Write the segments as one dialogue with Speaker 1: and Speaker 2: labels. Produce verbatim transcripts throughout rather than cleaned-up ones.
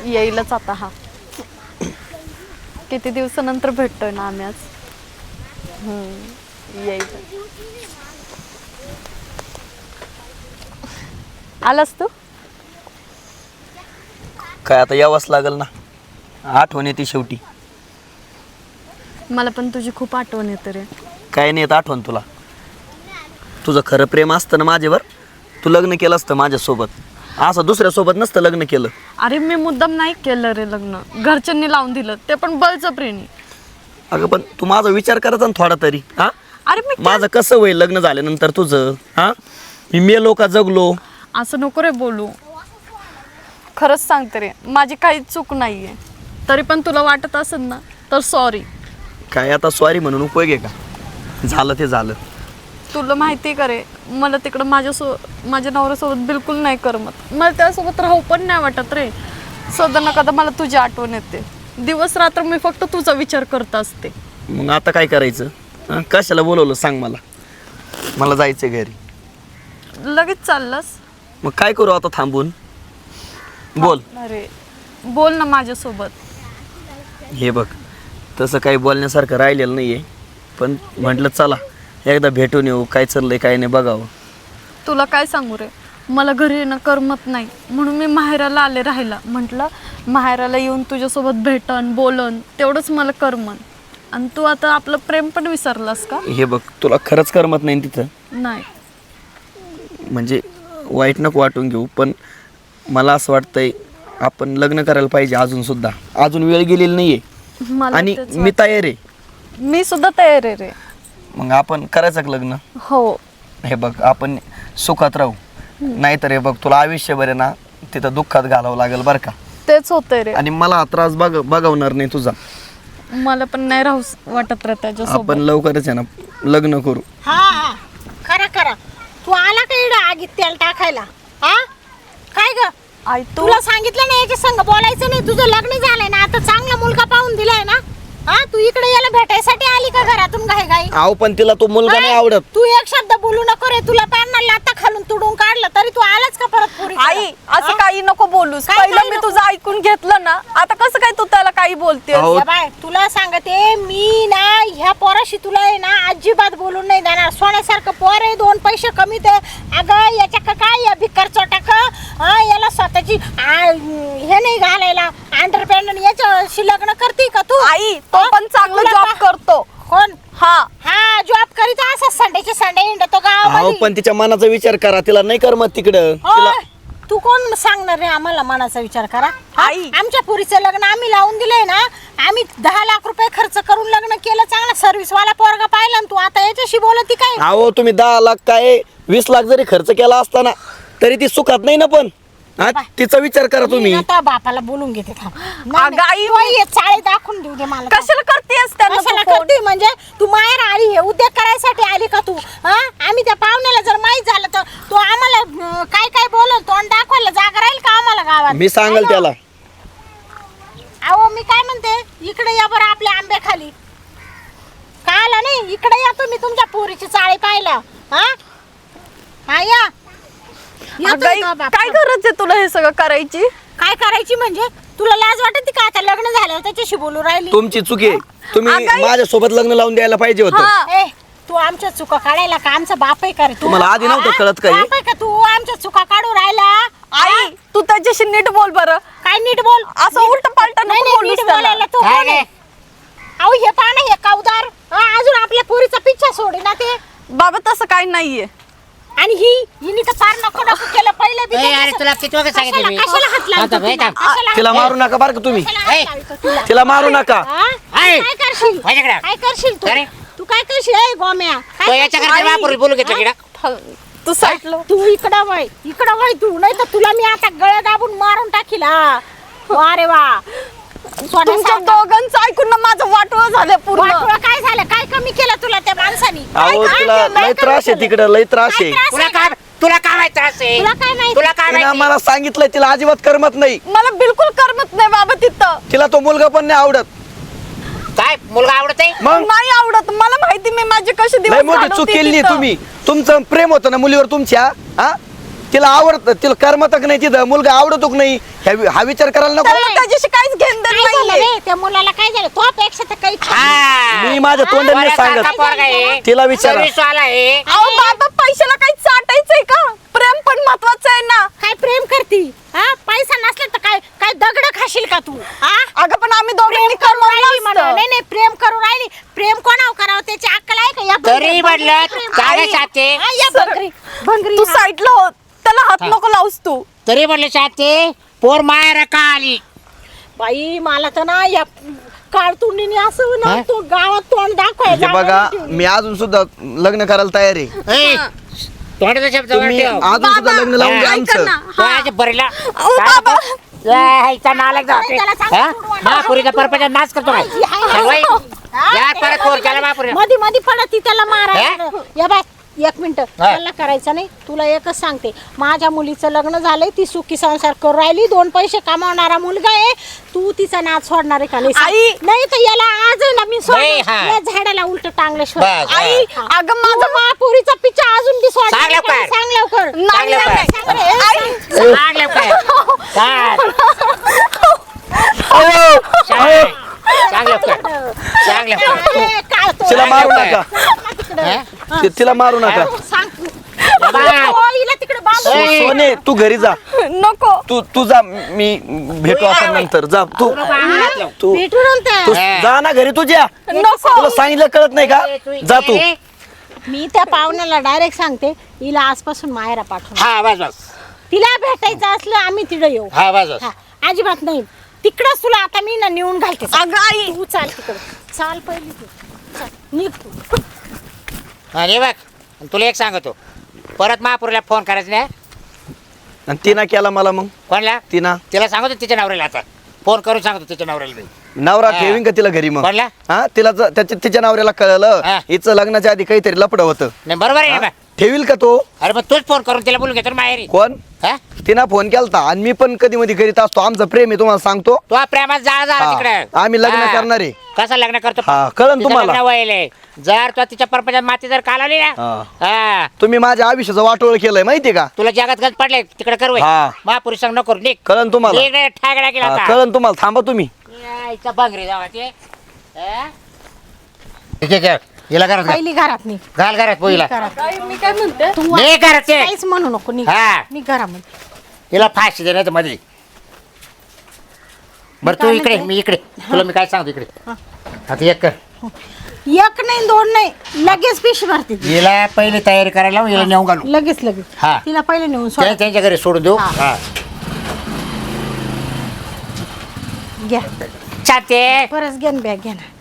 Speaker 1: येईलच आता हा. किती दिवसानंतर भेटतोय ना आम्ही आज. हम्म येईल. आलास तू?
Speaker 2: काय आता यावंच लागल ना, आठवण येते शेवटी.
Speaker 1: मला पण तुझी खूप आठवण येते रे.
Speaker 2: काय नाही येत आठवण तुला? तुझं खरं प्रेम असतं ना माझ्यावर, तू लग्न केलं असतं माझ्यासोबत, असं दुसऱ्यासोबत नसतं लग्न केलं.
Speaker 1: अरे मी मुद्दाम नाही केलं रे लग्न, घरच्यांनी लावून दिलं, ते पण बळजबरीने.
Speaker 2: अगं पण तू माझा विचार करायचा ना थोडा तरी. हा
Speaker 1: अरे मी
Speaker 2: माझं कसं होईल लग्न झाल्यानंतर तुझं? हा मी मेलो का जगलो?
Speaker 1: असं नको रे बोलू. खरंच सांगते रे, माझी काहीच चूक नाहीये. तरी पण तुला वाटत असेल ना तर सॉरी.
Speaker 2: काय आता सॉरी म्हणून उपयोग आहे का? झालं ते झालं.
Speaker 1: तुला माहिती आहे का रे, मला तिकडं माझ्यासो माझ्या नवऱ्यासोबत बिलकुल नाही करमत. मला त्यासोबत राहू पण नाही वाटत रे. सदा न कदा मला तुझी आठवण येते. दिवस रात्र मी फक्त तुझा विचार करत असते.
Speaker 2: मग आता काय करायचं? हं? कशाला बोलवलं सांग मला. मला जायचं घरी.
Speaker 1: लगेच चाललास?
Speaker 2: मग काय करू आता थांबून? बोल.
Speaker 1: अरे बोल ना माझ्यासोबत.
Speaker 2: हे बघ, तसं काही बोलण्यासारखं राहिलेलं नाही आहे, पण म्हटलं चला एकदा भेटून येऊ, काय चाललंय काय नाही बघावं.
Speaker 1: तुला काय सांगू रे, मला घरी येणं करमत नाही, म्हणून मी माहेराला आले राहायला. म्हटलं माहेराला येऊन तुझ्यासोबत भेटन बोलन तेवढंच मला करमन. आणि तू आता आपलं प्रेम पण विसरलास का?
Speaker 2: हे बघ, तुला खरंच करमत नाही तिथं?
Speaker 1: नाही.
Speaker 2: म्हणजे वाईट नको वाटून घेऊ, पण मला असं वाटतंय आपण लग्न करायला पाहिजे अजून सुद्धा. अजून वेळ गेलेली नाही आहे
Speaker 1: मला
Speaker 2: आणि
Speaker 1: तेच
Speaker 2: मी तयार आहे.
Speaker 1: मी सुद्धा तयार आहे रे.
Speaker 2: मग आपण करायचं का लग्न?
Speaker 1: हो.
Speaker 2: हे बघ, आपण सुखात राहू, नाहीतर हे बघ तुला आयुष्यभर आहे ना तिथं दुःखात घालावं लागेल बरं का.
Speaker 1: तेच होतंय रे.
Speaker 2: आणि मला हा त्रास बघ बघवणार नाही तुझा.
Speaker 1: मला पण नाही राहू वाटत रे त्याच्यासोबत.
Speaker 2: आपण लवकरच आहे ना लग्न करू.
Speaker 3: हा हा खरं खरं. तू आला का इकडं आगीत तेल टाकायला? हा काय ग?
Speaker 1: आई तू
Speaker 3: तुला सांगितलं नाही याच्या संग बोलायचं नाही. तुझं लग्न झालंय ना, आता चांगला मुलगा पाहून दिलाय ना. हा तू इकडे याला भेटायसाठी आली का घरातून घाई घाई?
Speaker 2: आहो पण तिला तो मुलगा नाही आवडत.
Speaker 3: तू एक शब्द बोलू नको रे. तुला पॅन्ट लाता खालून तुडून काढलं तरी तू आलाच का परत पुरी?
Speaker 1: आई असं काही नको बोलूस.
Speaker 3: काय
Speaker 1: पहिलं
Speaker 3: काही
Speaker 1: मी
Speaker 3: नको?
Speaker 1: तुझं ऐकून घेतलं ना, आता कसं काय तू त्याला काही बोलते?
Speaker 2: अहो,
Speaker 3: या बाय तुला सांगते मी ना, ह्या पोराशी तुला आहे ना अजिबात बोलून नाही देणार. सोन्यासारखं पोर आहे, दोन पैसे कमी दे. अगं याच्या का काय या भिकार चोटाक याला स्वतःची आ, हे नाही घालायला अंडरपॅन्ट, याच्याशी लग्न करते का तू?
Speaker 1: आई तो
Speaker 3: हा?
Speaker 1: पण चांगला
Speaker 3: तुला
Speaker 1: जॉब
Speaker 3: पा-
Speaker 1: करतो.
Speaker 3: कोण?
Speaker 1: हा
Speaker 3: हा जॉब करीत असा संडेचे संडे हिंडतो
Speaker 2: अहो
Speaker 3: गावामध्ये.
Speaker 2: पण तिच्या मनाचा विचार करा, तिला नाही करमत तिकडं.
Speaker 3: होय.
Speaker 2: तिला
Speaker 3: तू कोण सांगणार रे आम्हाला मनाचा विचार करा? हा?
Speaker 1: आई.
Speaker 3: आमच्या पुरीचं लग्न आम्ही लावून दिलंय ना. आम्ही दहा लाख रुपये खर्च करून लग्न केलं, चांगला सर्व्हिस वाला पोरगा पाहिला, आणि तू आता याच्याशी बोलती काय?
Speaker 2: अहो तुम्ही दहा लाख काय वीस लाख जरी खर्च केला असताना तरी ती सुखात नाही ना. पण हा तिचा विचार करा तुम्ही.
Speaker 3: मी ना त्या बापाला बोलून घेते थांब. नाही,
Speaker 1: अगं आई,
Speaker 3: नाही. तू ये चाळे दाखवून देऊ दे मला.
Speaker 1: कशाला करतेस त्यांना
Speaker 3: कशाला
Speaker 1: तू फोन?
Speaker 3: करते म्हणजे? तू माहेर आली हे उद्योग करायसाठी आली का तू? हा आम्ही त्या पाहुण्याला जर माहीत झालं तर तो आम्हाला अं, काय काय बोलल, तोंड दाखवायला जागा राहील का आम्हाला गावात?
Speaker 2: मी सांगल त्याला.
Speaker 3: अहो मी काय म्हणते, इकडे या बरं आपल्या आंब्या खाली. का आला नाही? इकडे या तुम्ही तुमच्या पोरीची चाळी पाहिला. हा हा या. येतोय
Speaker 1: अगं आई,
Speaker 3: का बाप?
Speaker 1: काय गरज आहे तुला हे सगळं करायची?
Speaker 3: काय करायची म्हणजे? तुला लाज वाटते का आता लग्न झालं त्याच्याशी बोलू राहिली?
Speaker 2: तुमची चुकी आहे. तुम्ही
Speaker 1: अगं,
Speaker 2: माझ्यासोबत लग्न लावून द्यायला पाहिजे होतं.
Speaker 1: हा.
Speaker 3: ए तू आमच्या चुका काढायला का आमचा बाप आहे का रे? तू
Speaker 2: तुम्हाला आधी नव्हतं
Speaker 3: हा?
Speaker 2: कळत का हे?
Speaker 3: बाप आहे का तू आमच्या चुका काढू राहिला?
Speaker 1: आई तू त्याच्याशी नीट बोल बरं.
Speaker 3: काय नीट बोल?
Speaker 1: असं
Speaker 3: नीट-
Speaker 1: उलटं पालटं
Speaker 3: नाही,
Speaker 1: नको
Speaker 3: नाही,
Speaker 1: बोलूस
Speaker 3: नीट
Speaker 1: त्याला.
Speaker 3: बोलायला तू
Speaker 4: काय
Speaker 3: कोण आहे? अहो हे पाहा ना, हे कावदार हा, अजून आपल्या पोरीचा पिच्छा सोडे ना ते.
Speaker 1: बाबा तसं काही नाहीये.
Speaker 3: आणि ही हिने तर फार नको नको केलं पहिलं बी.
Speaker 4: ए,
Speaker 3: तर
Speaker 4: अरे
Speaker 3: कसं-
Speaker 4: तुला किती वेळा सांगितलं
Speaker 3: कशाला
Speaker 4: मी?
Speaker 3: कशाला हात लावतो
Speaker 4: थांब, थांब,
Speaker 3: तुला?
Speaker 4: थांब.
Speaker 3: कशाला
Speaker 2: तिला
Speaker 3: हात-
Speaker 2: मारू नका बरं का तुम्ही.
Speaker 3: कशाला हात
Speaker 4: ए.
Speaker 3: लावतो तुला?
Speaker 2: तिला मारू नका.
Speaker 3: हा?
Speaker 4: ऐ.
Speaker 3: काय करशील?
Speaker 4: माझ्याकडे.
Speaker 3: काय करशील तू?
Speaker 4: अरे.
Speaker 3: तू काय करशील ए गोम्या?
Speaker 4: तो
Speaker 3: काय
Speaker 4: याच्या
Speaker 3: करशील?
Speaker 4: घरच्या बापाला बोलून घेतलं की ना?
Speaker 1: तू साईडला
Speaker 3: तू इकडं वय इकडं वय तू, नाही तर तुला मी आता गळ्या दाबून मारून टाकील. हा वा रे वा.
Speaker 1: तुमच्या
Speaker 3: सोन्यासारखं.
Speaker 1: दोघांचं ऐकून ना माझं वाटोळं झालं पूर्ण.
Speaker 3: वाटोळं काय झालं? काय कमी केलं तुला त्या माणसानी? काय-
Speaker 2: अहो
Speaker 3: काय
Speaker 2: तिला
Speaker 3: केलं?
Speaker 2: लय
Speaker 3: काय
Speaker 2: त्रास आहे
Speaker 3: केलं?
Speaker 2: तिकडं, लय त्रास
Speaker 3: काय
Speaker 2: आहे.
Speaker 3: त्रास
Speaker 4: तुला
Speaker 3: आहे?
Speaker 4: काय तुला काय माहित त्रास आहे?
Speaker 3: तुला काय माहिती?
Speaker 4: तुला काय
Speaker 2: तिनं
Speaker 4: माहिती?
Speaker 2: मला सांगितलंय तिला अजिबात करमत नाही.
Speaker 1: मला बिलकुल करमत नाही बाबा तिथं.
Speaker 2: तिला तो मुलगा पण नाही आवडत.
Speaker 4: काय मुलगा आवडत आहे?
Speaker 2: मग
Speaker 1: नाही आवडत मला. माहिती मी माझे कसे
Speaker 2: लय
Speaker 1: दिवस
Speaker 2: मोठी
Speaker 1: घालवते
Speaker 2: चूक केली
Speaker 1: तिथं.
Speaker 2: तुम्ही. तुमचं प्रेम होतं ना मुलीवर तुमच्या, हा तिला आवडत तिला करमतक नाही तिथं मुलगा आवडतो की नाही ह्या- हा विचार करायला नको
Speaker 1: त्याला त्याच्याशी काहीच घेणं देणं
Speaker 3: काय झालं
Speaker 1: नाहीये.
Speaker 3: रे त्या मुलाला काय झालं तो पेक्षा तर काही
Speaker 4: हा.
Speaker 2: मी माझ्या तोंडाने
Speaker 4: पोरासारखा
Speaker 2: सांगत
Speaker 4: पोरगा आहे.
Speaker 2: तिला विचारा.
Speaker 4: सर्व्हिसवाला आहे.
Speaker 1: अहो बाबा पैशाला काही चाटायचंय का प्रेम पण महत्वाचं आहे ना.
Speaker 3: काय प्रेम करती हा पैसा नसला तर काय काय दगड खाशील का तू हा
Speaker 1: अगं पण आम्ही दोघांनी
Speaker 3: प्रेम करून राहिली
Speaker 1: कमवलं
Speaker 3: म्हणून.
Speaker 1: असतं.
Speaker 3: नाही नाही प्रेम करून राहिली प्रेम कोणावर करावं त्याची अक्कल आहे का या
Speaker 4: तरी
Speaker 3: भंगरी-
Speaker 4: म्हटलं
Speaker 3: प्रेम-
Speaker 4: चांगलं
Speaker 3: आई,
Speaker 4: शाते.
Speaker 3: हा, या भंगरी भंगरी
Speaker 1: तू
Speaker 3: हा.
Speaker 1: साईडला हो त्याला हात नको लावूस तू.
Speaker 4: तरी म्हटलं शाते पोर माया का आली
Speaker 3: बाई मला तर ना या काळतुंडीने असं ना
Speaker 4: हा?
Speaker 3: तो गावात तोंड दाखवायचं
Speaker 2: हे बघा मी अजून सुद्धा लग्न करायला तयार आहे
Speaker 4: ए, तोंडाचा शब्द वर
Speaker 2: तुम्ही
Speaker 4: ठेव.
Speaker 2: अजून सुद्धा लग्न लावून द्या
Speaker 4: हा.
Speaker 1: ऐका
Speaker 2: आमचं
Speaker 1: ना.
Speaker 4: तो आज बरीला
Speaker 1: अहो,
Speaker 4: काय
Speaker 1: बाबा.
Speaker 4: नको? ए, इथं नालायक जाऊ ते.
Speaker 3: त्याला सांग,
Speaker 4: हा?
Speaker 3: सोडवा.
Speaker 4: महापुरीचा परपंच नाच करतो काय सगळं? या परत पोर केला महापुरीला.
Speaker 3: मध्ये मध्ये पडत ती त्याला
Speaker 4: हे?
Speaker 3: मारायला या बाय एक मिनिट त्याला करायचं नाही तुला एकच सांगते माझ्या मुलीचं लग्न झालंय ती सुखी संसार करून राहिली दोन पैसे कमावणारा मुलगा आहे तू तिचा नाच सोडणार आहे का नाही सांग.
Speaker 1: आई.
Speaker 3: नाही तर याला आज आहे ना मी
Speaker 4: नाही, हा.
Speaker 3: सोडणार. या झाडाला उलट टांगल्याशिवाय
Speaker 4: बस, हा.
Speaker 1: आई अगं माझं
Speaker 3: माझं महापुरीचा पिच्चा अजून बी सोडणार
Speaker 4: सांग
Speaker 3: आहे का?
Speaker 4: लवकर.
Speaker 3: सांग लवकर
Speaker 1: नाही
Speaker 4: चांगलं
Speaker 1: नाही,
Speaker 4: पाय.
Speaker 1: नाही.
Speaker 3: सांग रे,
Speaker 1: आई.
Speaker 4: सांग लवकर. सांग.
Speaker 2: अहो,
Speaker 4: सांग. सांग लवकर. सांग लवकर.
Speaker 3: ए, काळ तो.
Speaker 2: तिला मारू नका
Speaker 3: तिकडं.
Speaker 4: हा?
Speaker 2: ति- तिला मारू नका
Speaker 3: सांग तू.
Speaker 4: बाबा.
Speaker 3: ओ, हिला तिकडे बांधून
Speaker 2: सो-
Speaker 4: ए.
Speaker 2: सोने तू घरी जा
Speaker 1: नको
Speaker 2: तू तू जा मी भेटू आपण नंतर जा तू तू
Speaker 3: भेटू नंतर
Speaker 2: तू
Speaker 4: हा.
Speaker 2: जा ना घरी तुझ्या
Speaker 1: नको
Speaker 2: तुला सांगितलं कळत नाही का जा तू
Speaker 3: मी त्या पाहुण्याला डायरेक्ट सांगते हिला आजपासून माहेरा पाठवून
Speaker 4: हा बस बस
Speaker 3: तिला भेटायचं असलं आम्ही तिकडे येऊ
Speaker 4: हा बस बस
Speaker 3: हा, अजिबात नाही तिकडच तुला आता मी ना नेऊन घालते
Speaker 1: अगं आई
Speaker 3: तू चाल तिकडे चाल पहिली तू चाल, निघ तू
Speaker 4: अरे बघ तुला एक सांगतो परत महापुरीला फोन करायचा नाही
Speaker 2: आणि तिनं केला मला मग
Speaker 4: कोणला
Speaker 2: तिनं
Speaker 4: तिला सांगतो तिच्या नवऱ्याला आता फोन करून सांगतो तिच्या नवऱ्याला मी
Speaker 2: नवरा
Speaker 4: हा.
Speaker 2: ठेवीन का तिला घरी मग
Speaker 4: कोणला?
Speaker 2: हा तिला ज- त्याच्या तिच्या नवऱ्याला कळलं
Speaker 4: हा.
Speaker 2: हिचं लग्नाच्या आधी काहीतरी लपड होतं
Speaker 4: नाही बरोबर आहे ना बा?
Speaker 2: ठेवील का तो
Speaker 4: अरे मग तूच फोन करून तिला बोलून घेतो ना माहेरी
Speaker 2: कोण
Speaker 4: हा
Speaker 2: तिनं फोन केलता आणि मी पण कधी मध्ये करीत असतो आमचं प्रेम आहे तुम्हाला सांगतो
Speaker 4: तो प्रेमात जाळ झाला
Speaker 2: हा.
Speaker 4: तिकडे
Speaker 2: आम्ही लग्न करणार आहे.
Speaker 4: कसं लग्न करतो
Speaker 2: हा, कळलं
Speaker 4: तिचं
Speaker 2: तुम्हाला.
Speaker 4: लग्न व्हायलंय. जर तो तिच्या परपंचात माती जर कालवली ना
Speaker 2: हा.
Speaker 4: हा
Speaker 2: तुम्ही माझ्या आयुष्याचं वाटोळ केलंय माहितीये का
Speaker 4: तुला जगात गज पडले तिकडे करू
Speaker 2: हा.
Speaker 4: महापुरुष सांग नको निक
Speaker 2: कळलं तुम्हाला
Speaker 4: ठाकरा केला
Speaker 2: हा,
Speaker 4: आता
Speaker 2: कळलं तुम्हाला थांबा तुम्ही
Speaker 4: यायचं बंगरी जावा ते हा? ठीक आहे घ्या. हिला घरात घाल.
Speaker 3: पहिली घरात निघ
Speaker 4: घाल घरात पोहीला
Speaker 3: घरात
Speaker 1: आई, मी काय म्हणते
Speaker 3: तू
Speaker 4: नाही घरात ते.
Speaker 3: काहीच म्हणू नको निघ
Speaker 4: हा
Speaker 3: निघ घरामध्ये
Speaker 4: हिला फाशी दे नाही तर मध्ये बरं तू
Speaker 3: काय
Speaker 4: इकडे
Speaker 3: म्हणते?
Speaker 4: मी इकडे तुला मी काय सांगतो इकडे आता एक कर
Speaker 3: एक नाही दोन नाही लगेच पिशी भरते ती.
Speaker 4: हिला पहिली तयारी करायला लावू, हिला नेऊन घालू
Speaker 3: लगेच लगेच
Speaker 4: हा.
Speaker 3: तिला पहिले नेऊन
Speaker 4: त्या-
Speaker 3: सोड
Speaker 4: त्यांच्या घरी सोडून देऊ
Speaker 3: हा.
Speaker 4: हा
Speaker 3: घ्या
Speaker 4: चालते
Speaker 3: परत घेन बॅग घ्या ना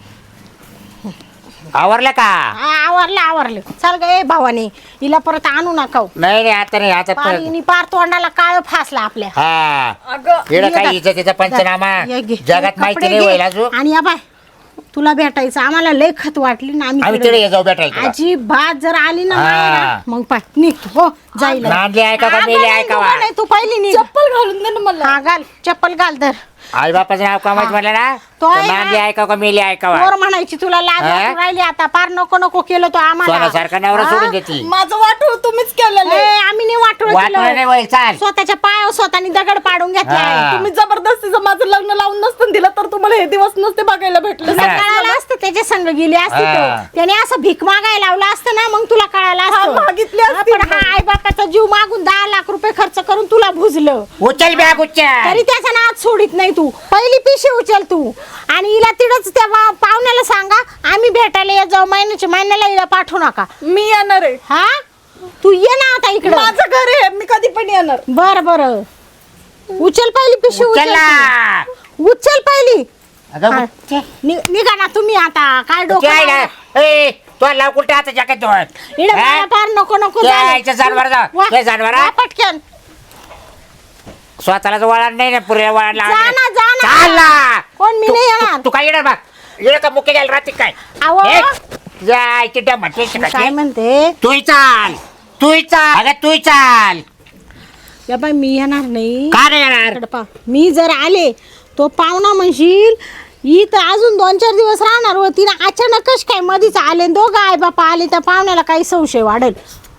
Speaker 4: आवरलं का
Speaker 3: हा, आवरलं आवरलं चाल ग ए भावाने हिला परत आणू नका हो.
Speaker 4: नाही नाही आता नाही आता परत
Speaker 3: पाणीनी पार तोंडाला काळ फासला आपल्या
Speaker 4: हा
Speaker 1: अगं
Speaker 4: इकडं
Speaker 3: ये
Speaker 4: काय
Speaker 3: बाय.
Speaker 4: हिचं तिचा पंचनामा
Speaker 3: ये घे.
Speaker 4: जगात
Speaker 3: कपडे
Speaker 4: माहिती नाही
Speaker 3: घे.
Speaker 4: होईल अजून
Speaker 3: आणि या बाय तुला भेटायचं आम्हाला लय खत वाटली ना
Speaker 4: आम्ही
Speaker 3: आम्ही
Speaker 4: तिकडे
Speaker 3: तिकडे-
Speaker 4: ये जाऊ भेटायला तुला.
Speaker 3: अजिबात जर आली ना
Speaker 4: हा.
Speaker 3: मायरा, मग पाय निघ तू. हो जाईल
Speaker 4: नांदली ऐका का मेली ऐकावा?
Speaker 3: नाही तू पहिली निघ
Speaker 1: चप्पल घालून दे ना मला
Speaker 3: हा घाल चप्पल घाल धर
Speaker 4: आई बापाचं नाव कमायचं म्हणलं ना
Speaker 3: तो आहे ना.
Speaker 4: नांदली ऐका का मेली ऐकावा
Speaker 3: पोर म्हणायची तुला लाज
Speaker 4: हा?
Speaker 3: वाटू राहिली आता पार नको नको केलं तो आम्हाला
Speaker 4: सोन्यासारखा नवरा
Speaker 3: हा?
Speaker 4: सोडून देती
Speaker 1: माझं वाटोळ तुम्हीच केलेलं
Speaker 3: ए,
Speaker 1: आहे.
Speaker 3: आम्ही नाही वाटू
Speaker 4: वाटलं नाही होईल चाल
Speaker 3: स्वतःच्या पायावर स्वतःनी दगड पाडून घेतलाय
Speaker 4: हा.
Speaker 1: तुम्ही जबरदस्तीचं माझं लग्न लावून नसतं दिलं तर तुम्हाला हे दिवस नसते बघायला भेटले
Speaker 4: हा.
Speaker 3: कळालं असतं त्याच्या संग गेली असती
Speaker 4: हा.
Speaker 3: तो. त्याने असं भीक मागायला लावलं असतं ना मग तुला कळालं
Speaker 1: हा,
Speaker 3: असतं
Speaker 1: मागितली
Speaker 3: हा,
Speaker 1: असती
Speaker 3: पण हा आई बापाचा जीव मागून दहा लाख रुपये खर्च करून तुला भुजलं
Speaker 4: उचल बॅग उचल
Speaker 3: तरी त्याचा नाच सोडित नाही तू पहिली पिशी उचल तू आणि हिला तिडच त्या वा- पाहुण्याला सांगा आम्ही भेटायला येत जाऊ महिन्याच्या महिन्याला हिला पाठवू नका
Speaker 1: मी येणार आहे
Speaker 3: हा तू ये ना आता इकडे
Speaker 1: माझं घर आहे मी कधी पण येणार
Speaker 3: बर बर उचल पहिली पिशी उचल
Speaker 4: उचलला
Speaker 3: तू. उचल पहिली
Speaker 4: अगं
Speaker 3: हा. नि- निघा ना तुम्ही आता काय डोकं
Speaker 4: काय
Speaker 3: लावा?
Speaker 4: ना ए तो लाव कुठे आता जॅकेट दोन
Speaker 3: इकडे मला पार नको नको
Speaker 4: त्या
Speaker 3: झालं.
Speaker 4: इथं जनावर जा.
Speaker 3: वा-
Speaker 4: त्या जनावर.
Speaker 3: वा पटकन
Speaker 4: स्वतःलाच वळण नाही ना पुरे वळण
Speaker 3: जा ना, जा ना.
Speaker 4: चाल ना.
Speaker 3: कोण मी
Speaker 4: तू-
Speaker 3: नाही
Speaker 4: तू-
Speaker 3: येणार
Speaker 4: तू काय येणार बघ येणं का मुख्य घ्यायला राहते काय
Speaker 3: अहो.
Speaker 4: ए, जायची डमटे
Speaker 3: काय म्हणते
Speaker 4: तूही चाल तूही चाल अगं तूही चाल
Speaker 3: या बाई मी येणार नाही
Speaker 4: का नाही येणार
Speaker 3: इकडं पहा. मी जर आले तो पाहुणा म्हणशील ही तर अजून दोन चार दिवस राहणार होती ना अचानकच काय मधीच आले दोघं आई बापा आले त्या पाहुण्याला काही संशय वाढेल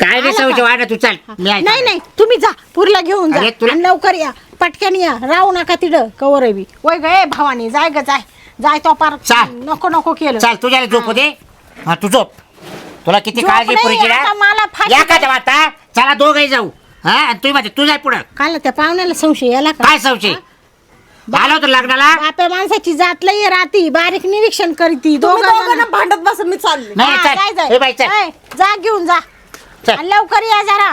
Speaker 4: काय नाही
Speaker 3: आला
Speaker 4: सवय
Speaker 3: का?
Speaker 4: वाढ तू चाल मी आहे.
Speaker 3: नाही नाही तुम्ही जा पुरीला घेऊन जा
Speaker 4: अरे, तुला-
Speaker 3: आणि लवकर या पटकन या राहू नका तिथं कवर बी वय गे भावानी जाय ग जाय जाय तो पार
Speaker 4: चाल.
Speaker 3: नको नको केलं
Speaker 4: चाल तुझ्याला झोप दे हा तू झोप तुला किती
Speaker 3: झोप
Speaker 4: काळजी
Speaker 3: नाही,
Speaker 4: पुरीची
Speaker 3: आता मला
Speaker 4: ना
Speaker 3: फाशी
Speaker 4: या का आता चला दोघही जाऊ हा आणि तुम्ही माझे तू जाय पुढं
Speaker 3: काल त्या पाहुण्याला संशय याला का
Speaker 4: काय संशय आला होता लग्नाला
Speaker 3: बाप्या माणसाची जात लई राहती बारीक निरीक्षण करीती दोघं जण-
Speaker 1: भांडत बस मी चालले
Speaker 4: नाही
Speaker 3: हा,
Speaker 4: चल
Speaker 3: जाय, जाय.
Speaker 4: ए बाई चल
Speaker 3: ए, जा घेऊन जा
Speaker 4: चल.
Speaker 3: आणि लवकर या जरा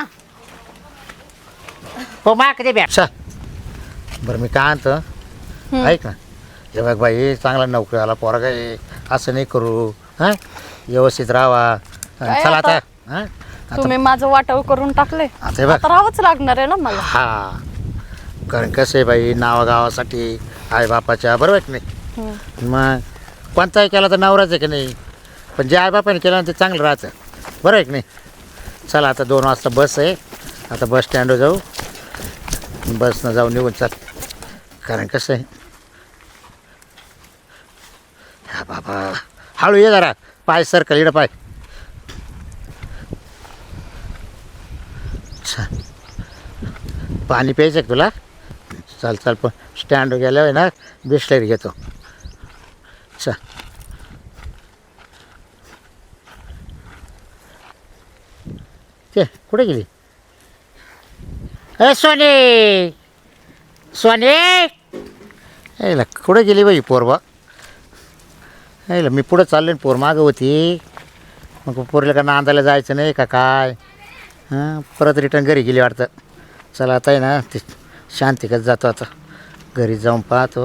Speaker 4: हो मा कधी बॅ
Speaker 5: अच्छा बरं मी काय आणतं ऐक ना हे बघ बाई चांगला नोकरी आला पोरगा आहे असं नाही करू हां व्यवस्थित राहावा
Speaker 1: काय
Speaker 5: चला आता
Speaker 1: आता?
Speaker 5: हां
Speaker 1: तुम्ही माझं वाटव करून टाकले
Speaker 5: आता हे बघ
Speaker 1: आता राहावंच लागणार आहे ना मला
Speaker 5: हा कारण कसं आहे बाई नावागावासाठी आई बापाच्या बरोबर आहे की नाही
Speaker 1: हम्म.
Speaker 5: मग कोणताही केला तर नवराच आहे की नाही पण जे आई बापाने केलं ना ते चांगलं राहतं बरोबर आहे की नाही चला आता दोन वाजता बस आहे आता बस स्टँडवर जाऊ बसनं जाऊ निघून चाल कारण कसं आहे हा बाबा हळू ये जरा पाय सरकल इकडं पाय छान पाणी प्यायचं आहे का तुला चाल चाल पण स्टँड गेल्यावर ना बिस्लेरी घेतो चा ते कुठे गेली ए सोने सोने यायला कुठे गेली बाई पोरबा यायला मी पुढं चाललो पोर मागं होती मग पोरीला का नांदायला जायचं नाही का काय हां परत रिटर्न घरी गेली वाटतं चला आता आहे ना ते शांतिकच जातो आता घरी जाऊन पाहतो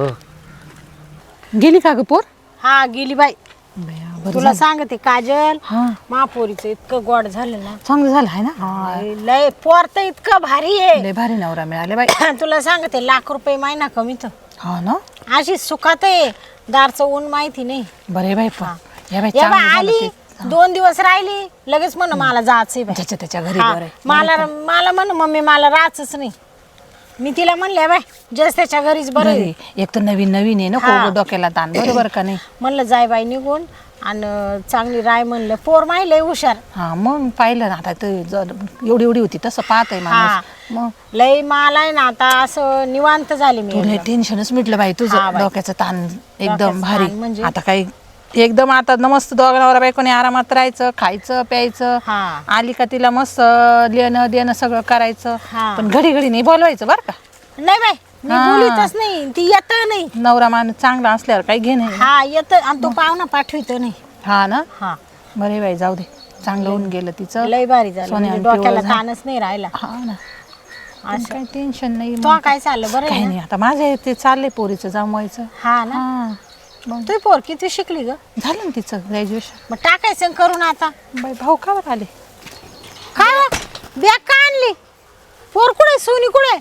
Speaker 3: गेली का ग पोर हा गेली बाई तुला सांगते काजल महापोरीचं इतकं गोड झालं ना
Speaker 6: चांगलं झालं आहे ना
Speaker 3: लय- लय पोर तर इतकं भारी आहे
Speaker 6: लय भारी नवरा मिळाले बाई
Speaker 3: तुला सांगते लाख रुपये महिना कमीत
Speaker 6: हा ना
Speaker 3: अशी सुखात आहे दारचं ऊन माहिती नाही
Speaker 6: बरे बाई पण या बाई
Speaker 3: या बा
Speaker 6: चांगलं झालं
Speaker 3: आली
Speaker 6: ते.
Speaker 3: दोन दिवस राहिली लगेच म्हण मला जायचंय बाई.
Speaker 6: ज्याच्या त्याच्या घरी
Speaker 3: हा,
Speaker 6: बरं आहे.
Speaker 3: मला मला म्हण मम्मी मला राहायचंच नाही मी तिला म्हणले बाय जस त्याच्या घरीच बरं आहे.
Speaker 6: घरी एक तर नवीन नवीन आहे ना
Speaker 3: हा.
Speaker 6: खूप डोक्याला ताण बरोबर का नाही
Speaker 3: म्हणलं जाय बाई निघून आणि चांगली राय म्हणलं पोर माहिले हुशार
Speaker 6: हा मग पाहिलं ना आता ते जर एवढी एवढी होती तसं पाहत आहे
Speaker 3: हा
Speaker 6: माणूस मग
Speaker 3: लय मला आहे ना आता असं निवांत झाली मी
Speaker 6: तुला
Speaker 3: एकदम.
Speaker 6: टेन्शनच मिटलं बाई
Speaker 3: हा
Speaker 6: तुझं
Speaker 3: बाई.
Speaker 6: डोक्याचं ताण एकदम
Speaker 3: डोक्याचं
Speaker 6: भारी
Speaker 3: ताण म्हणजे?
Speaker 6: आता काही एकदम आता न मस्त दोघांवर बायकोने आरामात राहायचं खायचं प्यायचं
Speaker 3: हा.
Speaker 6: आली का तिला मस्त लेणं देणं सगळं करायचं
Speaker 3: हा.
Speaker 6: पण घडी घडी नाही बोलवायचं बरं का
Speaker 3: नाही बाई मी
Speaker 6: हा.
Speaker 3: बोलीतच नाही ती येत नाही
Speaker 6: नवरा माणूस चांगला असल्यावर काही घे नाही
Speaker 3: हा येत आणि तो पाहुणा पाठवित नाही
Speaker 6: हा ना
Speaker 3: हा
Speaker 6: बरे बाई जाऊ दे चांगलं होऊन गेलं तिचं
Speaker 3: लय भारी झालं
Speaker 6: सोन्या
Speaker 3: म्हणजे
Speaker 6: आणि
Speaker 3: डोक्याला
Speaker 6: पिवळं झालं.
Speaker 3: ताणच नाही राहिला
Speaker 6: हा ना पण
Speaker 3: असं.
Speaker 6: काही टेन्शन नाही
Speaker 3: तो
Speaker 6: मग.
Speaker 3: काय चाललं बरं
Speaker 6: काही
Speaker 3: आहे
Speaker 6: नाही आता माझं ते चाललंय पोरीचं जमवायचं
Speaker 3: हा ना
Speaker 6: हा मग
Speaker 3: तू पोर किती शिकली ग
Speaker 6: झालं ना तिचं ग्रॅज्युएशन
Speaker 3: मग टाकायचं करून आता
Speaker 6: बाई भाऊ का बरं आले
Speaker 3: काय हो? बॅग का आणली पोर कुठे सोनी कुठे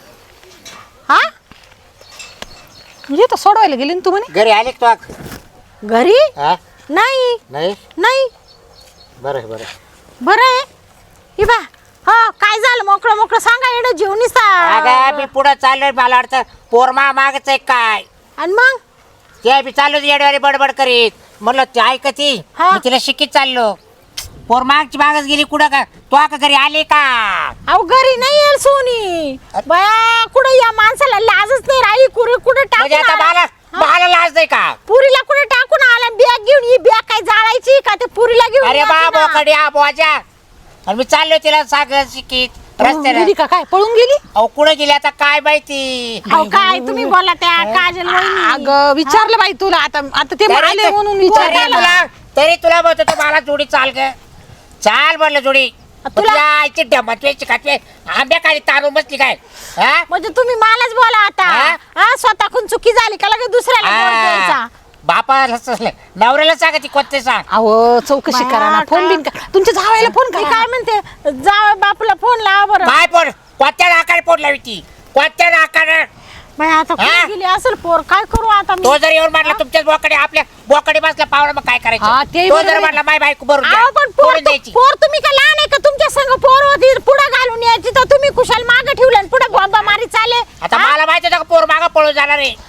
Speaker 3: हा
Speaker 6: म्हणजे तर सोडवायला गेली ना तू म्हणे
Speaker 5: घरी आले का तू
Speaker 3: घरी
Speaker 5: हा
Speaker 3: नाही
Speaker 5: नाही
Speaker 3: नाही
Speaker 5: बरं आहे, बरं आहे.
Speaker 3: बरं आहे ही बा हो काय झालं मोकळं मोकळं सांगा एवढं जेवणी
Speaker 4: अगं मी पुढं चाललोय मला वाटतं पोरमा मागच आहे काय
Speaker 3: आणि मग
Speaker 4: ते बी चाललो येडवारी बडबड करीत म्हणलं ते ऐकती
Speaker 3: हा.
Speaker 4: मी तिला शिकीत चाललो पोर मागची मागच गेली कुठं का तो का घरी आली का
Speaker 3: अहो घरी नाही येईल सोनी बया कुठं या माणसाला लाजच नाही राही कुठे कुठे
Speaker 4: म्हणजे आता
Speaker 3: टाकून
Speaker 4: मला
Speaker 3: आला?
Speaker 4: मला लाज नाही का
Speaker 3: पुरीला कुठे टाकून आला बॅग घेऊन ही बॅग काय जाळायची का ते पुरीला घेऊन
Speaker 4: अरे
Speaker 3: येते
Speaker 4: बा
Speaker 3: ना.
Speaker 4: बोकडी आ बोजा आणि मी चाललोय तिला सागर शिकीत रस्त्याला
Speaker 6: गेली का काय पळून गेली
Speaker 4: अहो कुठं गेली आता काय माहिती
Speaker 3: अहो काय तुम्ही बोला त्या काजल वहिनी.
Speaker 6: अगं विचारलं बाई तुला आता आता ते
Speaker 4: तरी
Speaker 6: आले
Speaker 4: ते-
Speaker 6: म्हणून
Speaker 4: तरी
Speaker 6: विचारलं
Speaker 4: तुला तरी तुला म्हणतो तू मला जोडी चाल ग चाल म्हणलं जोडी
Speaker 3: तुला-
Speaker 4: तुला आईची डमतवे चिकाटवे आंब्या खाली तारून बसली काय हा
Speaker 3: म्हणजे तुम्ही मलाच बोला आता
Speaker 4: हा?
Speaker 3: हा स्वतःहून चुकी झाली का लगेच दुसऱ्याला दोष द्यायचा
Speaker 4: बापाला नवऱ्याला सांगा ती कोणते सांग
Speaker 6: अहो चौकशी
Speaker 3: बाया,
Speaker 6: करा ना फोन बिन करा तुमच्या जावायला फोन
Speaker 3: मी
Speaker 6: करा
Speaker 3: काय म्हणते जा बापूला फोन लावा बरं
Speaker 4: काय पोर कोणत्या नाकाने पोट लावी ती कोणत्या नाकाने
Speaker 3: बाई आता
Speaker 4: हा?
Speaker 3: कुठे गेली असेल पोर काय करू आता मी
Speaker 4: तो जर येऊन म्हटला तुमच्याच बोकडे आपल्या बोकडे बसला पावला मग काय
Speaker 6: हा,
Speaker 4: करायचं
Speaker 6: तेही
Speaker 4: तो
Speaker 6: बरोबर
Speaker 4: जर
Speaker 6: आहे.
Speaker 4: म्हटला माय बायको भरून द्या,
Speaker 3: अहो पण पोर
Speaker 4: भरून द्यायची
Speaker 3: पोर तुम्ही का लहान आहे का तुमच्या संग पोर होती पुढे घालून यायची तर तुम्ही कुशाल मागे ठेवलं आणि पुढे बॉम्बा मारी चाले
Speaker 4: आता
Speaker 3: हा?
Speaker 4: मला माहिती होतं का पोर मागं पळून जाणार आहे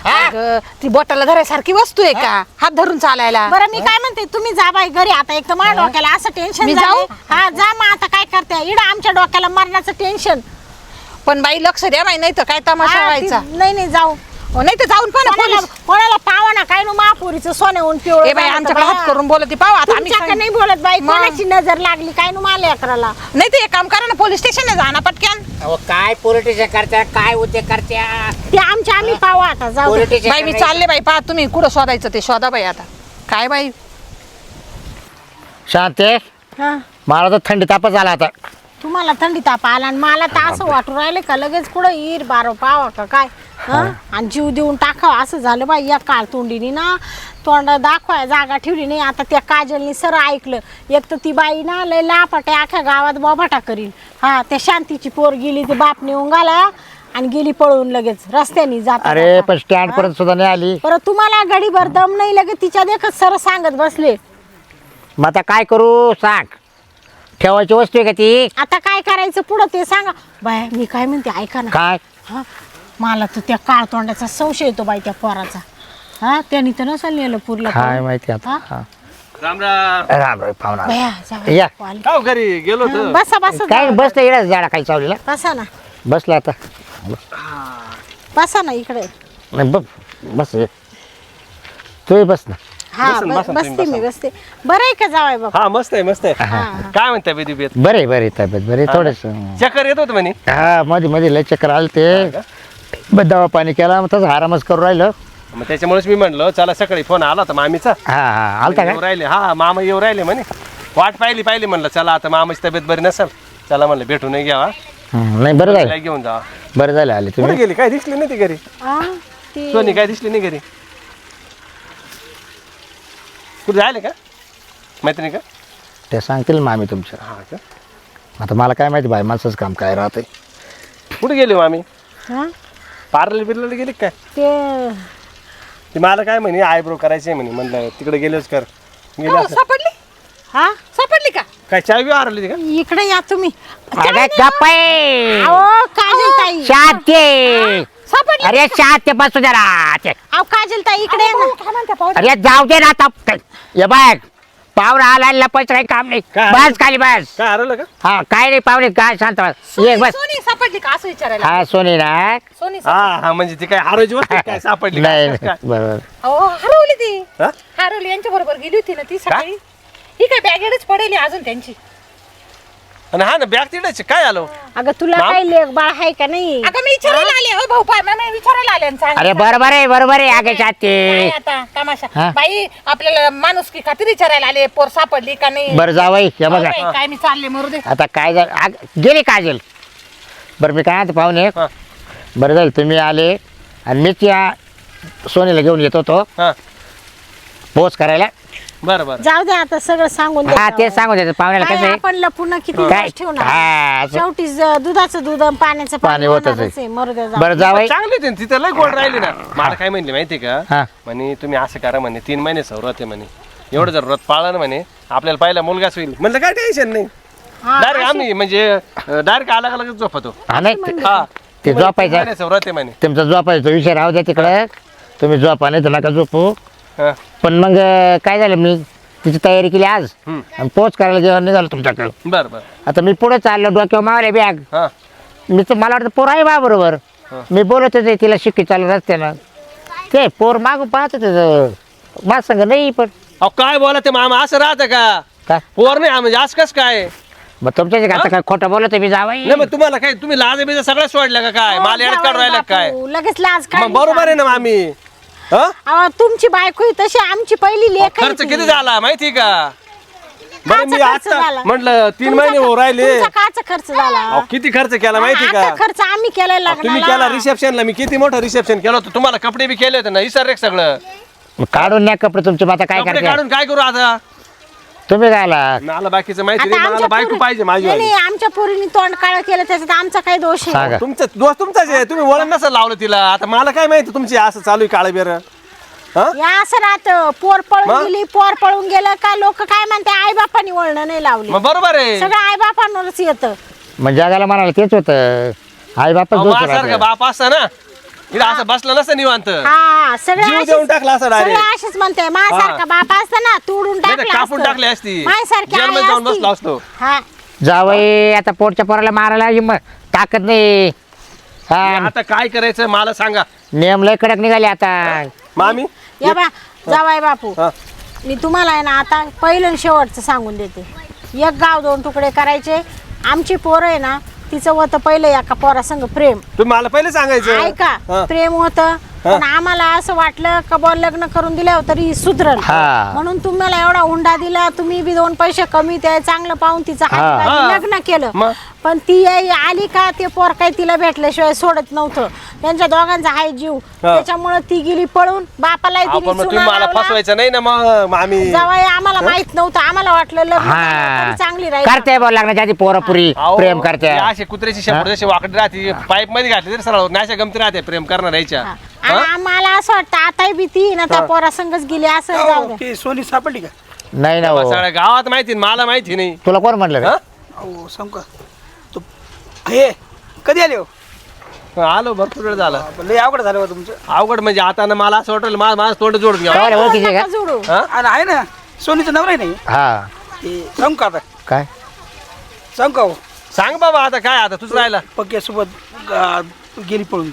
Speaker 6: अगं, ती बोटाला धरायसारखी वस्तू आहे का हात धरून चालायला?
Speaker 3: बरं मी काय म्हणते तुम्ही जा बाई घरी आता. एक तर माझ्या डोक्याला असं टेन्शन
Speaker 6: मी
Speaker 3: झालंय.
Speaker 6: जाऊ?
Speaker 3: हा जा मग आता काय करते इड आमच्या डोक्याला मरणाचं टेन्शन.
Speaker 6: पण बाई लक्ष द्या बाई, नाही तर काय तमाशा व्हायचा.
Speaker 3: नाही नाही जाऊ.
Speaker 6: नाही तर जाऊन पण
Speaker 3: कोणाला कोणाला पावा ना काय नु महापुरीचं सोने होऊन पिवळं
Speaker 6: ए बाई,
Speaker 3: झालं
Speaker 6: आमच्याकडे
Speaker 3: तर
Speaker 6: हात करून बोलत पाहू आता आम्ही
Speaker 3: तुमच्याकडे
Speaker 6: सांग-
Speaker 3: नाही बोलत बाई.
Speaker 6: मग?
Speaker 3: कोणाची नजर लागली काय नु मला अकराला.
Speaker 6: नाही तर एक काम करा ना, पोलीस स्टेशनला जा ना पटक्यान.
Speaker 4: अहो काय पॉलिटिशियन करत्या काय उद्योग करत्या
Speaker 3: ते आमच्या आम्ही पावा आता जाऊ दे.
Speaker 4: पॉलिटिशियन
Speaker 6: बाई मी चालले बाई, पहा तुम्ही कुठं शोधायचं ते शोधा बाई आता. काय बाई
Speaker 5: शांते,
Speaker 3: हा.
Speaker 5: मला तर थंडी तापच आला आता.
Speaker 3: तुम्हाला थंडी ताप आला आणि मला तर असं वाटू राहिले का लगेच कुठं ईर बारो पावा का काय. हं? आणि जीव देऊन टाकावं असं झालं बाई. या काळ तोंडीने ना तोंड दाखवाय जागा ठेवली नाही. आता त्या काजलनी सर ऐकलं. एक तर ती बाई ना लय लापाटे अख्ख्या गावात बोभाटा करील. हा त्या शांतीची पोर गेली ते बाप नेऊन गाला आणि गेली पळून लगेच रस्त्याने जात.
Speaker 5: अरे पण स्टँड पर्यंत सुद्धा नाही आली.
Speaker 3: परत तुम्हाला गडीभर दम नाही लगेच तिच्या देखत सर सांगत बसले.
Speaker 5: मग आता काय करू सांग, ठेवायची वस्तू आहे का ती?
Speaker 3: आता काय करायचं पुढं ते सांगा. बाय मी काय म्हणते ऐका ना.
Speaker 5: काय
Speaker 3: हा मला तर त्या काळ तोंडाचा संशय येतो बाई त्या पोराचा. हा त्याने तर नसेल नेलं पुरला
Speaker 5: काय माहिती आता.
Speaker 3: हा?
Speaker 5: हा.
Speaker 7: राम राम.
Speaker 5: राम राम पाहुणा.
Speaker 3: बया, जाऊ.
Speaker 5: या.
Speaker 3: वाल.
Speaker 7: का हो घरी गेलो होतो?
Speaker 3: बसा बसा
Speaker 5: काय
Speaker 3: जाऊ.
Speaker 5: बसलं इकडे झाडा काही चावलेला
Speaker 3: बसा ना
Speaker 5: बसला आता.
Speaker 3: बसा ना इकडे.
Speaker 5: नाही बस बस ये. तू बस ना.
Speaker 3: हा
Speaker 7: बसन,
Speaker 3: ब-
Speaker 7: बसन तुम्ही,
Speaker 3: बसते मी बसते. बरं आहे का जावाय बाबा.
Speaker 7: हा मस्त आहे मस्त आहे. काय म्हणताय बेदी बेत?
Speaker 5: बरे बरे तब्येत बरे थोडस.
Speaker 7: चक्कर येत होत म्हणे.
Speaker 5: हा मध्ये मध्ये लय चक्कर आले ते. बस दवा पाणी केला मग तसं आरामच करू राहिलं.
Speaker 7: मग त्याच्यामुळेच मी म्हणलं चला सकाळी फोन आला होता मामीचा.
Speaker 5: हा हा आलता
Speaker 7: येऊ
Speaker 5: का?
Speaker 7: राहिले हा मामा येऊ राहिले म्हणे. वाट पाहिली पाहिली म्हणलं चला आता मामाची तब्येत बरी नसेल चला म्हणलं भेटून घ्यावा
Speaker 5: हं, नाही बरं झालं.
Speaker 7: घेऊन जावा.
Speaker 5: बरं झालं आले
Speaker 7: कुठे
Speaker 5: तुम्ही.
Speaker 7: गेली काय दिसली नाही ती घरी?
Speaker 3: हा, ती-
Speaker 7: सोनी काय दिसली नाही घरी? कुठे जायले का मैत्रिणी का?
Speaker 5: ते सांगतील मामी तुमच्या.
Speaker 7: हा का?
Speaker 5: आता मला काय माहिती बाई माणसाचं काम काय राहतंय.
Speaker 7: कुठे गेली मामी?
Speaker 3: हा,
Speaker 7: पार्लर बिर्लर गेली काय?
Speaker 3: ते
Speaker 7: ती मला काय म्हणे आयब्रो करायचे म्हणे. म्हणलं तिकडे गेलोच कर. गेली
Speaker 6: हो,
Speaker 7: असं.
Speaker 6: सापडली
Speaker 3: हा
Speaker 6: सापडली का?
Speaker 7: काय चाय बी हरवली का?
Speaker 3: इकडे या तुम्ही.
Speaker 5: अरे गप्पे.
Speaker 3: अहो काजल ताई.
Speaker 5: शांती.
Speaker 3: सापडली.
Speaker 5: अरे शांती बसू जरा ते.
Speaker 3: अहो काजल ताई इकडे या ना.
Speaker 6: काय म्हणते पाहू?
Speaker 5: अरे जाऊ दे ना आता. ये बघ पाहुणा आला लपायचं काही काम नाही.
Speaker 7: काय?
Speaker 5: बस खाली बस.
Speaker 7: काय हरवलं का?
Speaker 5: हा काय नाही पाहुणे काय शांत बस. ये बस.
Speaker 6: सोनी सापडली का असं विचारायला?
Speaker 5: हा सोनी ना.
Speaker 6: सोनी
Speaker 7: हा हा म्हणजे ती काय हरवायची वस्तू काय सापडली
Speaker 5: नाही
Speaker 7: काय?
Speaker 5: नाही, बरोबर.
Speaker 6: हो हरवली ती.
Speaker 7: हा?
Speaker 6: हरवली यांच्या बरोबर गेली होती ना ती सकाळी. ही काय बॅगेडच पडेल अजून त्यांची.
Speaker 7: आणि हा ना बॅग तिकडे काय आलो?
Speaker 3: अगं तुला
Speaker 7: माम?
Speaker 3: काही लेख बाळ आहे का नाही.
Speaker 6: अगं मी विचारायला आले हो भाऊ पाय मी विचारायला आले आणि सांगितलं.
Speaker 5: अरे बरोबर आहे बरोबर आहे आगे शांती.
Speaker 6: काय आता तमाशा
Speaker 5: हा?
Speaker 6: बाई आपल्याला माणूस की खात्री विचारायला आले पोर सापडली का नाही.
Speaker 5: बरं जावई हे
Speaker 6: हो
Speaker 5: बघा
Speaker 6: बाई, काय मी चालले मरू दे.
Speaker 5: आता काय झालं आग- गेली काजल. बरं मी काय आता पाहुणे
Speaker 7: हा.
Speaker 5: बरं झालं तुम्ही आले आणि मीच या सोनीला घेऊन येत होतो
Speaker 7: हा
Speaker 5: पोच करायला.
Speaker 7: बरं बरं.
Speaker 3: जाऊ दे आता सगळं सांगून
Speaker 5: हा
Speaker 3: द्या.
Speaker 5: तेच सांगू द्यायचं पाहुण्याला
Speaker 3: काय
Speaker 5: कसं आहे.
Speaker 3: आपण लपून किती
Speaker 5: काय
Speaker 3: दिवस ठेवणार.
Speaker 5: हा, असं.
Speaker 3: शेवटी ज- दुधाचं दूध आणि पाण्याचं
Speaker 5: पाणी
Speaker 3: पाणी
Speaker 5: होतच
Speaker 3: होणारच
Speaker 5: आहे.
Speaker 3: आहे. मरू द्या जाऊ.
Speaker 5: बरं जावई.
Speaker 7: चांगली होती ना, तिथं लय गोड राहिली ना. मला काय म्हणली माहिती का?
Speaker 5: हा.
Speaker 7: म्हणे तुम्ही असं करा म्हणे तीन महिने सवरत आहे म्हणे. एवढं जर व्रत पाळलं ना म्हणे आपल्याला पहिला मुलगाच होईल. म्हणलं काय टेन्शन नाही.
Speaker 3: हा,
Speaker 7: डायरेक्ट आम्ही म्हणजे डायरेक्ट अलग अलग झोपतो.
Speaker 5: हा नाही ते-
Speaker 7: हा
Speaker 5: ते
Speaker 7: तीन
Speaker 5: झोपायचं
Speaker 7: महिने सवरत आहे म्हणे.
Speaker 5: तुमचा झोपायचा विषय राहू द्या तिकडे. तुम्ही झोपा नाही तर नका झोपू.
Speaker 7: हा.
Speaker 5: पण मग अं, काय झालं मी तिची तयारी केली आज
Speaker 7: हम्म.
Speaker 5: आणि पोच करायला जेवण नाही झालं तुमच्याकडे.
Speaker 7: बरं बरं.
Speaker 5: आता मी पुढे चाललो डोक्यावर मावले बॅग.
Speaker 7: हा
Speaker 5: मी तर मला वाटतं पोर आहे बा बरोबर. मी बोलत होते तिला शिक्की चालू रस्त्यानं. ते पोर मागून पाहत होते माझ संग नाही पण
Speaker 7: अहो काय बोला ते मामा असं राहतं का?
Speaker 5: काय
Speaker 7: पोर नाही म्हणजे असं कसं काय?
Speaker 5: मग तुमच्या आता काय खोटं बोलत मी जावाई.
Speaker 7: नाही मग तुम्हाला काय तुम्ही लाज बिजा सगळं सोडलं का काय?
Speaker 3: हो,
Speaker 7: मला येडत काढून राहिलं का काय?
Speaker 3: बापू, लगेच लाज
Speaker 7: मग
Speaker 3: काढली.
Speaker 7: बरोबर आहे ना मामी. हा
Speaker 3: अहो, तुमची बायको ही तशी आमची पहिली लेख आहे
Speaker 7: खर्च
Speaker 3: ती.
Speaker 7: किती झाला माहिती का? बरं
Speaker 3: काचा
Speaker 7: मी
Speaker 3: खर्च
Speaker 7: आता
Speaker 3: झाला?
Speaker 7: म्हटलं तीन
Speaker 3: तुमचा
Speaker 7: महिने
Speaker 3: का-
Speaker 7: हो राहिले.
Speaker 3: तुमचा काचा खर्च झाला.
Speaker 7: अहो, किती खर्च केला माहिती का?
Speaker 3: आता खर्च आम्ही केलाय
Speaker 7: अहो, तुम्ही केला
Speaker 3: लग्नाला.
Speaker 7: रिसेप्शनला. मी किती मोठं रिसेप्शन केलं होतं. तुम्हाला कपडे बी केले होते ना इसर रे सगळं.
Speaker 5: मग काढून न्या कपडे तुमचे मग आता काय
Speaker 7: कपडे
Speaker 5: करते
Speaker 7: काढून काय करू आता?
Speaker 5: तुम्ही काय आला
Speaker 7: मला बाकीचं माहिती
Speaker 3: आता
Speaker 7: नाही. मला
Speaker 3: आमच्या
Speaker 7: बायको
Speaker 3: पोरी-
Speaker 7: पाहिजे माझी
Speaker 3: नाही,
Speaker 7: वाली.
Speaker 3: नाही, आमच्या पोरीने तोंड काळ केलं त्याच्यात आमचा काय दोष आहे.
Speaker 5: सांगा
Speaker 7: तुमचं दोस्त तुमचाच आहे. तुम्ही वळण नसं लावलं तिला. आता मला काय माहिती तुमची असं चालू आहे काळ बेर. हा
Speaker 3: या असं राहत पोर पळून
Speaker 7: मग?
Speaker 3: गेली पोर पळून गेलं का लोक काय म्हणते आई बापानी वळण नाही लावली.
Speaker 7: मग बरोबर आहे.
Speaker 3: सगळं आई बापांवरच येतं.
Speaker 5: मग जगाला म्हणाला तेच होतं आई बापच
Speaker 7: अहो,
Speaker 5: दोष
Speaker 7: माझ्यासारखा
Speaker 5: राहतं.
Speaker 7: बाप असता ना इथं असं बसलं नसतं निवांत
Speaker 3: हा सगळे
Speaker 7: जीव
Speaker 3: असेच-
Speaker 7: देऊन टाकला असं
Speaker 3: सगळे
Speaker 7: डायरेक्ट
Speaker 3: असेच म्हणते माझ्यासारखा बाप असता ना तोडून
Speaker 7: नाही तर
Speaker 3: टाकला
Speaker 7: कापून
Speaker 3: असतं.
Speaker 7: टाकली असती
Speaker 3: माझ्यासारखी आई
Speaker 7: जेलमध्ये जाऊन
Speaker 3: असती.
Speaker 7: बसलो असतो
Speaker 3: हा
Speaker 5: जावई आता पोटच्या पोराला मारायला हिम्मत ताकद नाही हा
Speaker 7: आता काय करायचं मला सांगा
Speaker 5: नियम लय कडक निघाले आता
Speaker 7: मामी
Speaker 3: या बा जावाय बापू
Speaker 7: हा.
Speaker 3: मी तुम्हाला आहे ना आता पहिलं आणि शेवटचं सांगून देते एक गाव दोन तुकडे करायचे आमची पोरं आहे ना तिचं होतं पहिलं एका पोरासंग प्रेम
Speaker 7: तुम्ही मला पहिले सांगायचं
Speaker 3: ऐका
Speaker 7: हा.
Speaker 3: प्रेम होतं पण आम्हाला असं वाटलं का बुवा लग्न करून दिल्यावर तरी सुधरल
Speaker 5: हा.
Speaker 3: म्हणून तुम्हाला एवढा हुंडा दिला तुम्ही बी दोन पैसे कमी ते चांगलं पाहून तिचं
Speaker 5: हा.
Speaker 3: हाती
Speaker 7: हा.
Speaker 3: लग्न केलं
Speaker 7: मग?
Speaker 3: पण ती आई आली का ते पोर काही तिला भेटल्याशिवाय सोडत नव्हतं त्यांच्या दोघांचा हाय जीव त्याच्यामुळे ती गेली पळून बापाला
Speaker 7: आपण मग तुम्ही मला फसवायचं नाही ना मग मामी
Speaker 3: जवळ आम्हाला माहित नव्हतं आम्हाला वाटलं लग्न झालं तरी चांगली राहील
Speaker 5: करते बोल लागण्याच्या आधी पोरापुरी
Speaker 7: अहो,
Speaker 5: प्रेम करते
Speaker 7: हे असे कुत्र्याची शेपूट जशी वाकडी राहते पाईप मध्ये घातली तरी सरळ नाशा गमती राहते प्रेम करणार यायच्या
Speaker 3: हा. आणि आम्हाला असं वाटतं आता बी ती ना त्या पोरासंगच गेली असं जाऊ द्या
Speaker 8: ती सोनी सापडली का?
Speaker 5: नाही ना हो.
Speaker 7: सगळ्या गावात माहिती मला माहिती नाही
Speaker 5: तुला कोण म्हटलं रे?
Speaker 7: हा?
Speaker 8: अहो सांग का तो हे कधी आले हो
Speaker 7: आलो भरपूर वेळ झाला
Speaker 8: लय अवघड झालं हो तुमचं.
Speaker 7: अवघड म्हणजे आता ना मला असं वाटलं माझं माझं तोंड जोडून घ्या
Speaker 5: काय रे, ओळखीचे का?
Speaker 3: नका जोडू
Speaker 8: आणि आहे ना सोनीचं नवरा आहे नाही
Speaker 5: हा
Speaker 8: ते सांग का आता
Speaker 5: काय
Speaker 8: सांग का हो
Speaker 7: सांग बाबा आता काय आता तुझं राहिला
Speaker 8: पक्क्यासोबत गा- गेली पळून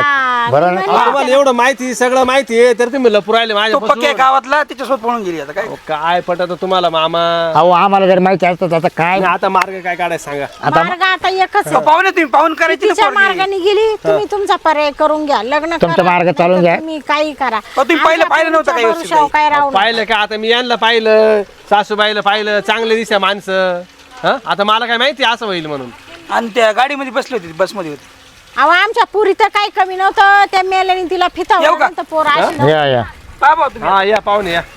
Speaker 3: हा
Speaker 5: बरं
Speaker 3: ती
Speaker 5: ना?
Speaker 3: म्हणली,
Speaker 7: तुम्हाला एवढं माहिती सगळं माहिती आहे तर तुम्ही लपू राहिले
Speaker 8: तो
Speaker 7: माझ्या
Speaker 8: पक्क्या गावातला त्याच्यासोबत पळून गेली आता काय
Speaker 7: काय पटत तुम्हाला मामा
Speaker 5: अहो आम्हाला जर माहिती असतं तर आता काय
Speaker 7: आणि आता मार्ग काय काढायचं सांगा
Speaker 5: आता
Speaker 3: मार्ग आता एकच
Speaker 8: अहो, पाहुणे तुम्ही पाहून करायची ना
Speaker 3: तिच्या
Speaker 8: पोरगी.
Speaker 3: मार्गाने गेली तुम्ही तुमचा पर्याय करून घ्या लग्न
Speaker 5: तुमचा
Speaker 3: करा,
Speaker 5: मार्ग चालून
Speaker 3: नाहीतर
Speaker 5: घ्या.
Speaker 3: तुम्ही काही करा
Speaker 8: अहो, तुम्ही पहिलं
Speaker 3: आमच्या
Speaker 8: पाहिलं नव्हतं का
Speaker 3: तुमच्या
Speaker 8: व्यवस्थित
Speaker 3: भरोशावर काय राहू नका.
Speaker 7: पाहिलं का आता मी यांना पाहिलं सासूबाईला पाहिलं चांगले दिसत्या माणसं हं? आता मला काय माहिती असं होईल म्हणून
Speaker 8: आणि त्या गाडीमध्ये बसली होती बसमध्ये होती
Speaker 3: अहो आमच्या पुरी तर काही कमी नव्हतं त्या मेल्याने तिला फिता
Speaker 8: येऊ का?
Speaker 3: पोर अशी नव्हती.
Speaker 5: या या
Speaker 8: पहा भाऊ तुम्ही
Speaker 7: हा या पाहुणे या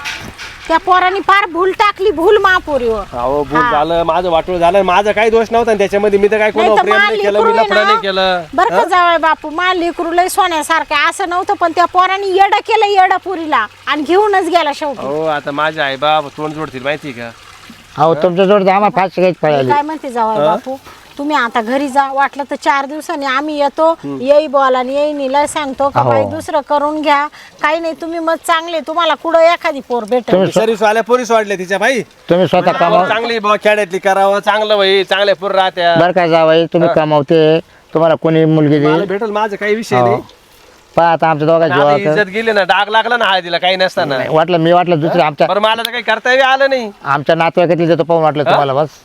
Speaker 3: त्या पोरांनी फार भूल टाकली भूल महापुरीवर
Speaker 7: अहो भूल झालं माझं वाटोळ झालं माझा काही दोष नव्हता आणि त्याच्यामध्ये मी तर काय कोणावर प्रेम नाही केलं मी लफडं नाही केलं
Speaker 3: बरं का जावळ बापू मा लेकरू लय सोन्यासारखं असं नव्हतं पण त्या पोरांनी येडं केलं येडं पुरीला आणि घेऊनच गेला शेवटी
Speaker 7: हो आता माझे आई बाप तोंड जोडतील माहिती का
Speaker 5: अहो तुमच्या जोड आम्हाला फाशी घ्यायची
Speaker 3: मी
Speaker 5: पळाली
Speaker 3: काय म्हणते जावळ बापू तुम्ही आता घरी जा वाटलं तर चार दिवसांनी आम्ही येतो येई बोला आणि येई निला सांगतो का
Speaker 5: हो.
Speaker 3: बाई दुसरं करून घ्या काही नाही तुम्ही मग चांगले तुम्हाला कुठं एखादी पोर भेटेल
Speaker 5: तुम्ही
Speaker 7: सर्विस वाल्या पोरीस वाढल्या तिच्या बाई
Speaker 5: तुम्ही स्वतः कमाव
Speaker 7: चांगली बुवा खेड्यातली करावं चांगलं बाई चांगल्या पोर राहत्या
Speaker 5: बरं काय जावाई तुम्ही कमावते तुम्हाला कोणी मुलगी
Speaker 7: मला
Speaker 5: देईल
Speaker 7: भेटल माझं काही विषय
Speaker 5: हो.
Speaker 7: नाही
Speaker 5: पहा आता आमच्या दोघा
Speaker 7: आता
Speaker 5: जीवा
Speaker 7: इज्जत गेली ना डाग लागला ना हळदीला काही नसताना
Speaker 5: वाटलं मी वाटलं दुसरं आमच्या
Speaker 7: बरं मला तर काही कर्तव्य आलं नाही
Speaker 5: आमच्या नातेवाईकातील देतो पाहून वाटलं तुम्हाला बस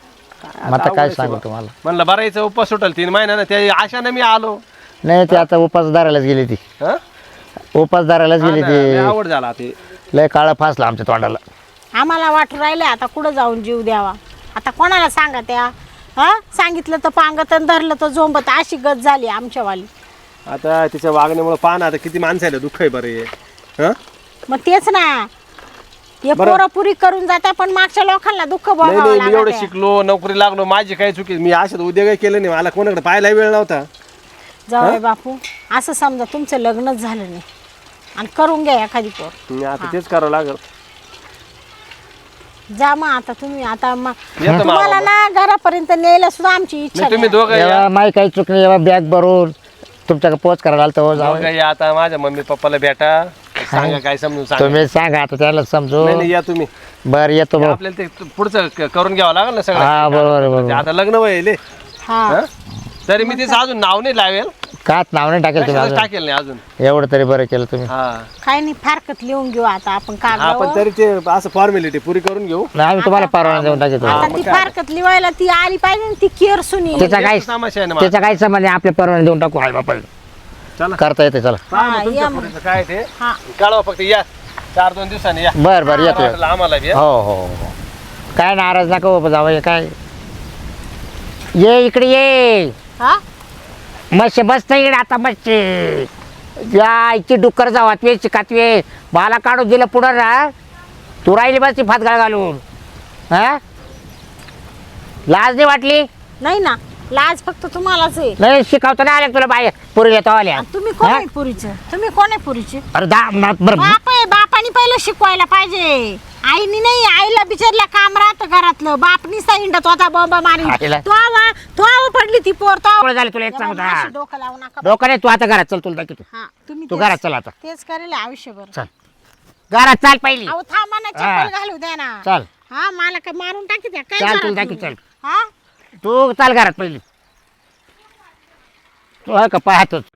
Speaker 5: मग आता काय सांगू तुम्हाला
Speaker 7: म्हणलं बरं याचं उपवास सुटल तीन महिन्यानं त्या आशाने मी आलो
Speaker 5: नाही ते आता उपासदारालाच गेली ती
Speaker 7: हं?
Speaker 5: उपासदारालाच
Speaker 7: हा
Speaker 5: गेली
Speaker 7: ना, लय
Speaker 5: ती
Speaker 7: आवड झाला ते
Speaker 5: लय काळा फासला आमच्या तोंडाला
Speaker 3: आम्हाला वाटू राहिले आता कुठं जाऊन जीव द्यावा आता कोणाला सांगा त्या हा सांगितलं तर पांगत आणि धरलं तर झोंबत अशी गत झाली आमच्यावाली
Speaker 7: आता तिच्या वागण्यामुळे पाहा ना आता किती माणसाला दुःख आहे बरं हे हं?
Speaker 3: मग तेच ना हे पोरं पुरी करून जाते पण मागच्या लोकांना दुःख
Speaker 7: नाही
Speaker 3: भोगावं
Speaker 7: नाही मी एवढं
Speaker 3: लागत
Speaker 7: शिकलो नोकरी लागलो माझी काही चुकी मी अशात उद्योग केलं नाही मला कोणाकडे पाहायला वेळ नव्हता
Speaker 3: जाऊ बापू असं समजा तुमचं लग्नच झालं नाही आणि करून घ्या एखादी पोर
Speaker 7: मी आता तेच करावं लागल
Speaker 3: जा मग आता तुम्ही आता मग
Speaker 7: येतो
Speaker 3: तुम्हाला ना घरापर्यंत न्यायला सुद्धा आमची इच्छा
Speaker 7: नाही तुम्ही
Speaker 3: नाही.
Speaker 7: दोघं या.
Speaker 5: जेव्हा माही काही चुकली जेव्हा बॅग भरून तुमच्याकडे पोच करायला आलं तर जाऊ
Speaker 7: दोघं या आता माझ्या मम्मी पप्पाला भेटा सांगा काय समजून सांगा
Speaker 5: तुम्ही सांगा आता त्याला समजू
Speaker 7: नाही नाही, या तुम्ही
Speaker 5: बर येतो भाऊ
Speaker 7: आपल्याला ते पुढचं क- करून घ्यावं लागेल ना
Speaker 5: हा
Speaker 7: सगळं
Speaker 5: बरोबर आहे, बरोबर
Speaker 7: आता लग्न व्हायले
Speaker 3: हा
Speaker 7: तरी मी तिचं अजून नाव नाही लावेल
Speaker 5: काच नाव नाही टाकेल तुम्ही
Speaker 7: कशालाच
Speaker 5: अजून
Speaker 7: टाकेल नाही अजून
Speaker 5: एवढं तरी बरं केलं तुम्ही
Speaker 7: हा
Speaker 3: काही नाही फारकत लिहून घेऊ आता आपण
Speaker 7: हा पण
Speaker 3: कागदावर
Speaker 7: तरी ते असं फॉर्मॅलिटी पुरी करून घेऊ
Speaker 5: नाही आम्ही तुम्हाला परवाना देऊन टाकतो
Speaker 3: आता ती फारकत लिवायला ती आली पाहिजे ना ती केअर सुनी
Speaker 5: त्याचा काय
Speaker 7: तमाशा आहे ना माझा.
Speaker 5: त्याचा काय संबंध आहे आपल्या परवाना देऊन टाकू आई बापाला
Speaker 7: चला
Speaker 5: करता येते चला
Speaker 7: पहा मग
Speaker 3: हा,
Speaker 7: तुमच्या
Speaker 3: या मग.
Speaker 7: पोरीचं काय ते
Speaker 3: हा
Speaker 7: कळवा फक्त या चार दोन दिवसांनी या
Speaker 5: बर बर येतो येतो.
Speaker 7: वाटलं आम्हाला बी, हं?
Speaker 5: हो हो हो काय नाराज नका हो जावं काय ये इकडे ये
Speaker 3: हा
Speaker 5: मस्त बसत इकडे आता मस्त या इथे डुक्कर जावातवे चिकातवे मला काढून दिलं पुढं ना तू राहिली बस ती फातगाळ घालून हा लाज नाही वाटली
Speaker 3: नाही ना लाज फक्त तुम्हालाच आहे
Speaker 5: नाही शिकवता नाही आल्या तुला बाय पुरी येतो आल्या
Speaker 3: आणि तुम्ही कोण आहे पुरीचे तुम्ही कोण आहे पुरीचे
Speaker 5: अरे दा ना- बरं
Speaker 3: बाप आहे बापाने पहिलं शिकवायला पाहिजे आईनी नाही, आईला बिचारला काम राहतं घरातलं. बापनी इंडत होता बॉम्बा मारी.
Speaker 5: आईला?
Speaker 3: तो आवा तो आवा पडली ती पोर. तो
Speaker 5: पुढे झालं तुला एक सांगू
Speaker 3: अशी
Speaker 5: का?
Speaker 3: डोकं लावू नका.
Speaker 5: डोकं नाही, तू आता घरात चल, तुला दाखवतो.
Speaker 3: हा तुम्ही
Speaker 5: तू
Speaker 3: तेच-
Speaker 5: घरात चल आता.
Speaker 3: तेच करेल आयुष्यभर.
Speaker 5: चल घरात चाल पहिली.
Speaker 3: अहो थांबा ना,
Speaker 5: हा.
Speaker 3: चप्पल घालू द्या ना.
Speaker 5: चल
Speaker 3: हा मला काय मारून टाकी द्या काय
Speaker 5: चल,
Speaker 3: करा
Speaker 5: तुला
Speaker 3: तुम्ही?
Speaker 5: दाखव, चल.
Speaker 3: हा
Speaker 5: तू चाल घरात पहिली. तू हा का पाहतोच